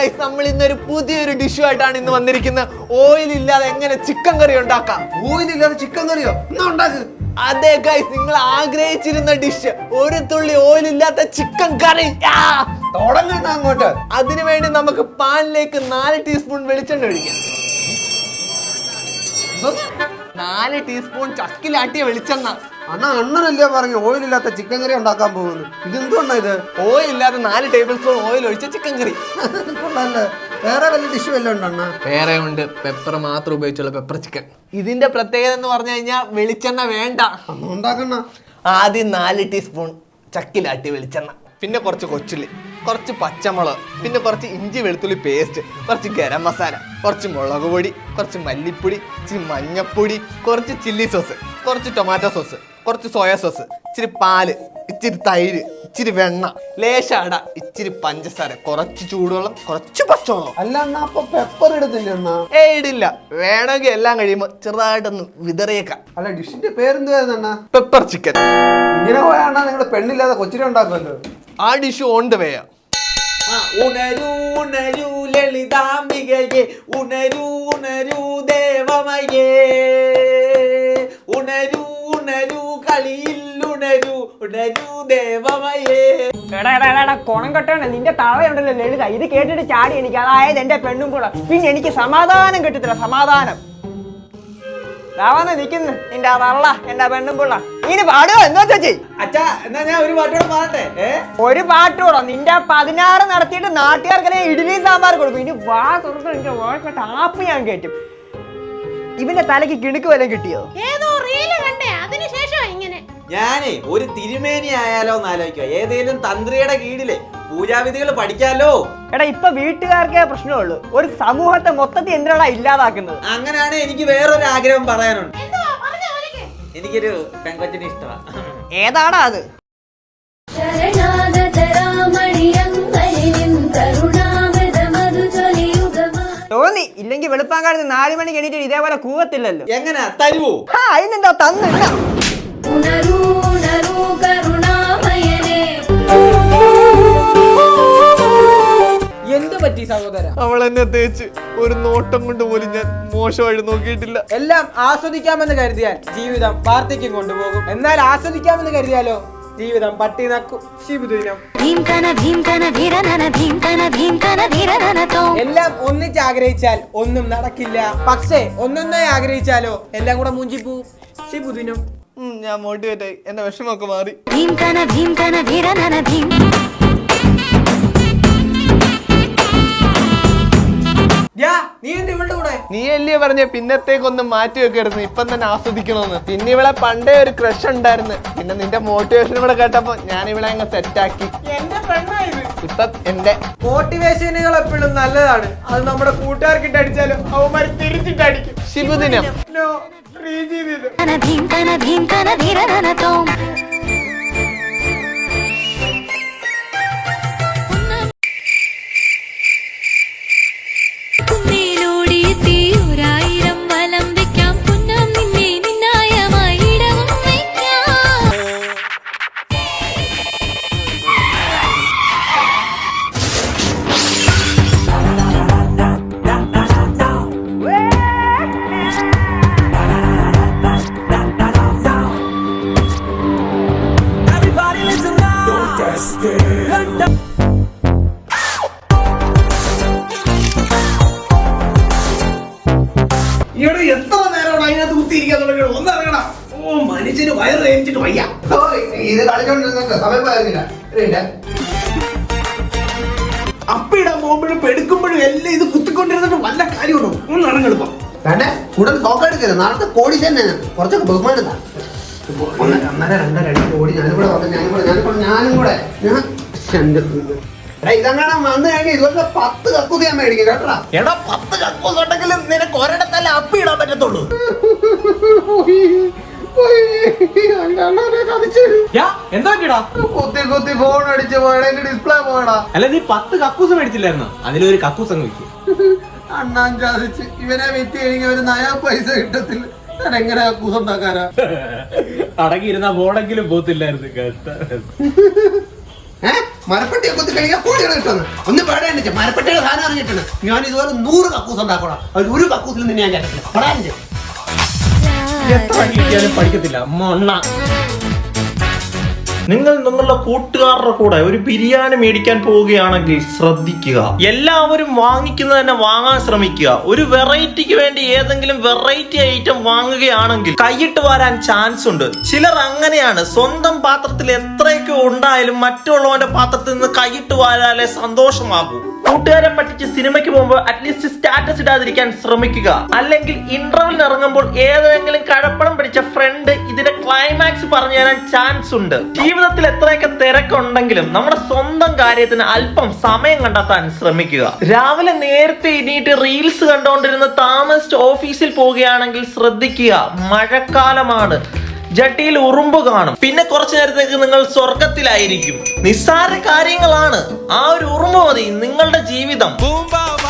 Guys, നമ്മൾ ഇന്നൊരു പുതിയൊരു ഡിഷുമായിട്ടാണ് ഇന്ന് വന്നിരിക്കുന്നത്. ഓയിൽ ഇല്ലാതെ എങ്ങനെ ചിക്കൻ കറി ഉണ്ടാക്കാം. ഓയിൽ ഇല്ലാതെ ചിക്കൻ കറിയോ? എന്നാ ഉണ്ടാക്ക്. അതെ ഗൈസ്, നിങ്ങൾ ആഗ്രഹിച്ചിരുന്ന ഡിഷ്, ഒരു തുള്ളി ഓയിൽ ഇല്ലാത്ത ചിക്കൻ കറി. തുടങ്ങണ്ട അങ്ങോട്ട്. അതിനുവേണ്ടി നമുക്ക് പാനിലേക്ക് 4 ടീസ്പൂൺ വെളിച്ചെണ്ണ ഒഴിക്കാം. 4 ടീസ്പൂൺ ചക്കിലാട്ടിയ വെളിച്ചെണ്ണ. അണ്ണനല്ലേ പറഞ്ഞു ഓയിൽ ഇല്ലാത്ത ചിക്കൻ കറി ഉണ്ടാക്കാൻ പോകുന്നു. ഇതെന്തുകൊണ്ടാ ഇത്? ഓയിൽ ഇല്ലാതെ 4 ടേബിൾ സ്പൂൺ ഓയിൽ ഒഴിച്ച ചിക്കൻ കറി. വേറെ വല്ല ഡിഷ് വല്ലതും ഉണ്ടോ അണ്ണ? വേറെ ഉണ്ട്, പെപ്പർ മാത്രം ഉപയോഗിച്ചുള്ള പെപ്പർ ചിക്കൻ. ഇതിന്റെ പ്രത്യേകത എന്ന് പറഞ്ഞു കഴിഞ്ഞാൽ വെളിച്ചെണ്ണ വേണ്ട. ഉണ്ടാക്കണ ആദ്യം 4 ടീസ്പൂൺ ചക്കിലാട്ടിയ വെളിച്ചെണ്ണ, പിന്നെ കുറച്ച് കൊച്ചുള്ളി, കുറച്ച് പച്ചമുളക്, പിന്നെ കുറച്ച് ഇഞ്ചി വെളുത്തുള്ളി പേസ്റ്റ്, കുറച്ച് ഗരം മസാല, കുറച്ച് മുളക് പൊടി, കുറച്ച് മല്ലിപ്പൊടി, ഇച്ചിരി മഞ്ഞപ്പൊടി, കുറച്ച് ചില്ലി സോസ്, കുറച്ച് ടൊമാറ്റോ സോസ്, കുറച്ച് സോയാ സോസ്, ഇച്ചിരി പാല്, ഇച്ചിരി തൈര്, ഇച്ചിരി വെണ്ണ, ലേശ അട, ഇച്ചിരി പഞ്ചസാര, കുറച്ച് ചൂടുവെള്ളം, കുറച്ച് പച്ചവെള്ളം. അല്ല അണ്ണ, അപ്പൊ പെപ്പർ ഇടത്തില്ല അണ്ണ? ഇടില്ല. വേണമെങ്കിൽ എല്ലാം കഴിയുമ്പോൾ ചെറുതായിട്ടൊന്ന് വിതറിയേക്കാം. അല്ല, ഡിഷിന്റെ പേരെന്തുവായിരുന്നു അണ്ണ? Pepper chicken. ഇങ്ങനെ പോയാ നിങ്ങള് പെണ്ണില്ലാതെ കൊച്ചിനെ ഉണ്ടാക്കുമല്ലോ. ആ ഡിഷ് ഓൺ ദ വേയാ. ഉണരൂ ഉണരൂ ലളിതാംബികയെ, ഉണരൂ ഉണരൂ ദേവമയേ, ഉണരൂ ഉണരൂ കളിയിൽ ഉണരൂ ഉണരൂ ദേവമയേ. കൊണം കെട്ടണ നിന്റെ തളയുണ്ടല്ലോ ലളിത, ഇത് കേട്ടിട്ട് ചാടി എനിക്ക്, അതായത് എന്റെ പെണ്ണും കൂടെ. പിന്നെ എനിക്ക് സമാധാനം കിട്ടത്തില്ല, സമാധാനം. നിക്കുന്നു നിന്റെ തള്ള എന്റെ പെണ്ണും പിള്ള. ഇനി പാടുവോ? എന്താ ചേച്ചി? അച്ഛാ, എന്നാ ഞാൻ ഒരു പാട്ടോടെ പാടട്ടെ. ഒരു പാട്ടോടോ? നിന്റെ 16 നടത്തിയിട്ട് നാട്ടുകാർക്ക് ഇഡ്ഡലി സാമ്പാർ കൊടുക്കും. ഇനി വാ തുറന്ന് നിന്റെ വാഴ ആപ്പ് ഞാൻ കേട്ടും. ഇവന്റെ തലക്ക് കിണുക്ക് വല്ലതും കിട്ടിയോ? ഏതോ റീല് കണ്ടേ, അതിനുശേഷം ഇങ്ങനെ. ഞാനേ ഒരു തിരുമേനി ആയാലോ എന്ന് ആലോചിക്കുക. ഏതേലും തന്ത്രിയുടെ കീഴില് പൂജാവിധികൾ പഠിക്കാലോ. എടാ, ഇപ്പൊ വീട്ടുകാർക്കേ പ്രശ്നമുള്ളൂ, ഒരു സമൂഹത്തെ മൊത്തത്തിൽ എന്തിനാ ഇല്ലാതാക്കുന്നത്. അങ്ങനെയാണ് എനിക്ക് വേറൊരു ആഗ്രഹം പറയാനുണ്ട്. എനിക്കൊരു പെങ്കൊച്ചിനെ ഇഷ്ടമാണ്. ഏതാടാ അത്? തോന്നി ഇല്ലെങ്കിൽ വെളുപ്പാങ്കാലത്ത് 4 മണിക്ക് എണീറ്റ് ഇതേപോലെ കൂവത്തില്ലല്ലോ. എങ്ങനാ തരുവോ? അതിനെന്താ തന്നില്ല. എന്ത് പറ്റി സഹോദര? അവൾ എന്നെ തേച്ച് ഒരു നോട്ടം കൊണ്ട് പോലും ഞാൻ മോശമായിട്ട് നോക്കിയിട്ടില്ല. എല്ലാം ആസ്വദിക്കാമെന്ന് കരുതിയാൽ ജീവിതം വാർദ്ധക്യം കൊണ്ടുപോകും. എന്നാൽ ആസ്വദിക്കാമെന്ന് കരുതിയാലോ ജീവിതം പട്ടി നക്കും. ശിവദിനം എല്ലാം ഒന്നിച്ച് ആഗ്രഹിച്ചാൽ ഒന്നും നടക്കില്ല. പക്ഷേ ഒന്നൊന്നായി ആഗ്രഹിച്ചാലോ എല്ലാം കൂടെ മൂഞ്ചിപ്പോവും. ശിവദിനം. ഞാൻ മോട്ടിവേറ്റ് ആയി, എന്റെ വിഷമൊക്കെ മാറി. നീ അല്ലേ പറഞ്ഞ പിന്നത്തേക്കൊന്നും മാറ്റി വെക്കരുത്, ഇപ്പം തന്നെ ആസ്വദിക്കണമെന്ന്. പിന്നെ ഇവിടെ പണ്ടേ ഒരു ക്രഷ് ഉണ്ടായിരുന്നു. പിന്നെ നിന്റെ മോട്ടിവേഷൻ ഇവിടെ കേട്ടപ്പോ ഞാൻ ഇവിടെ അങ്ങ് സെറ്റാക്കി. ഇപ്പൊ എന്റെ മോട്ടിവേഷനുകൾ എപ്പോഴും നല്ലതാണ്. അത് നമ്മുടെ കൂട്ടുകാർക്കിട്ട് അടിച്ചാലും അവന്മാർ തിരിച്ചിട്ട് അടിക്കും. ശിവദിനം. എത്ര നേരമാണ് അതിനകത്ത് കുത്തിയിരിക്കാൻ തുടങ്ങി? ഒന്നിറങ്ങണം. ഓ, മനുഷ്യന് വയറ് വേവിച്ചിട്ട് വയ്യ. ഇത് കളിച്ചോണ്ടിരുന്ന സമയം പോയിരുന്നില്ല. അപ്പിടാൻ പോകുമ്പോഴും എടുക്കുമ്പോഴും എല്ലാം ഇത് കുത്തിക്കൊണ്ടിരുന്നിട്ട് വല്ല കാര്യമുണ്ടോ? ഒന്ന് ഇറങ്ങെടുപ്പം വേണ്ടേ? കൂടുതൽ നോക്കെടുക്കരുത്. നാളത്തെ കോടി തന്നെ കുറച്ചൊക്കെ ബഹുമാനം. 1 2 2 കോടി ഞാനും കൂടെ ഇതങ്ങനെ വന്നു കഴിഞ്ഞാൽ ഇതുപോലെ 10 കക്കൂസ് ഞാൻ മേടിക്കും കേട്ടോ. എടാ, 10 കക്കൂസ് ഉണ്ടെങ്കിലും നിനക്ക് ഒരിടത്തല്ല അപ്പിടാൻ പറ്റത്തുള്ളൂ. എന്താ കുത്തി ഫോൺ അടിച്ച് പോയടാ, ഡിസ്പ്ലേ പോയടാ. അല്ല, നീ 10 കക്കൂസ് മേടിച്ചില്ലായിരുന്നോ? അതിലൊരു കക്കൂസ് അങ്ങ് വെക്കും. അണ്ണാൻ ചാദിച്ച് ഇവനെ വിറ്റ് കഴിഞ്ഞ ഒരു 9 പൈസ കിട്ടത്തില്ല. ഞാൻ എങ്ങനെ കക്കൂസ് ഉണ്ടാക്കാനാ? അടങ്ങിയിരുന്ന ബോർഡെങ്കിലും പോത്തില്ലായിരുന്നു. മരപ്പെട്ടിയെ കുത്തി കഴിക്കാൻ കോടികൾ കിട്ടുന്നു. ഒന്ന് പേടേണ്ട മരപ്പെട്ടിയുടെ സാധനം ഇറങ്ങിയിട്ടുണ്ട്. ഞാൻ ഇതുപോലെ 100 കക്കൂസ് ഉണ്ടാക്കണം. അതിൽ ഒരു കക്കൂസിൽ നിന്ന് ഞാൻ കേട്ടിട്ടില്ല. പറയാൻ എത്ര കിട്ടിയാലും പഠിക്കത്തില്ല മൊണ്ണ. നിങ്ങൾ നിങ്ങളുടെ കൂട്ടുകാരുടെ കൂടെ ഒരു ബിരിയാണി മേടിക്കാൻ പോവുകയാണെങ്കിൽ ശ്രദ്ധിക്കുക. എല്ലാവരും വാങ്ങിക്കുന്നത് തന്നെ വാങ്ങാൻ ശ്രമിക്കുക. ഒരു വെറൈറ്റിക്ക് വേണ്ടി ഏതെങ്കിലും വെറൈറ്റി ഐറ്റം വാങ്ങുകയാണെങ്കിൽ കൈയിട്ട് വരാൻ ചാൻസ് ഉണ്ട്. ചിലർ അങ്ങനെയാണ്. സ്വന്തം പാത്രത്തിൽ എത്രയൊക്കെ ഉണ്ടായാലും മറ്റുള്ളവന്റെ പാത്രത്തിൽ നിന്ന് കൈയിട്ട് വരാലേ സന്തോഷമാകൂ. കൂട്ടുകാരെ പറ്റിച്ച് സിനിമയ്ക്ക് പോകുമ്പോൾ അറ്റ്ലീസ്റ്റ് സ്റ്റാറ്റസ് ഇടാതിരിക്കാൻ ശ്രമിക്കുക. അല്ലെങ്കിൽ ഇന്റർവെല്ലിന് ഇറങ്ങുമ്പോൾ ഏതെങ്കിലും കഴപ്പണം പിടിച്ച ഫ്രണ്ട് ഇതിന്റെ ക്ലൈമാക്സ് പറഞ്ഞു തരാൻ ചാൻസ് ഉണ്ട്. ജീവിതത്തിൽ എത്രയൊക്കെ തിരക്കുണ്ടെങ്കിലും നമ്മുടെ സ്വന്തം കാര്യത്തിന് അല്പം സമയം കണ്ടെത്താൻ ശ്രമിക്കുക. രാവിലെ നേരത്തെ എണീറ്റ് റീൽസ് കണ്ടുകൊണ്ടിരുന്ന താമസിച്ച് ഓഫീസിൽ പോവുകയാണെങ്കിൽ ശ്രദ്ധിക്കുക. മഴക്കാലമാണ്. ജട്ടിയിൽ ഉറുമ്പ് കാണും. പിന്നെ കുറച്ചു നേരത്തേക്ക് നിങ്ങൾ സ്വർഗത്തിലായിരിക്കും. നിസ്സാര കാര്യങ്ങളാണ്. ആ ഒരു ഉറുമ്പ് മതി നിങ്ങളുടെ ജീവിതം.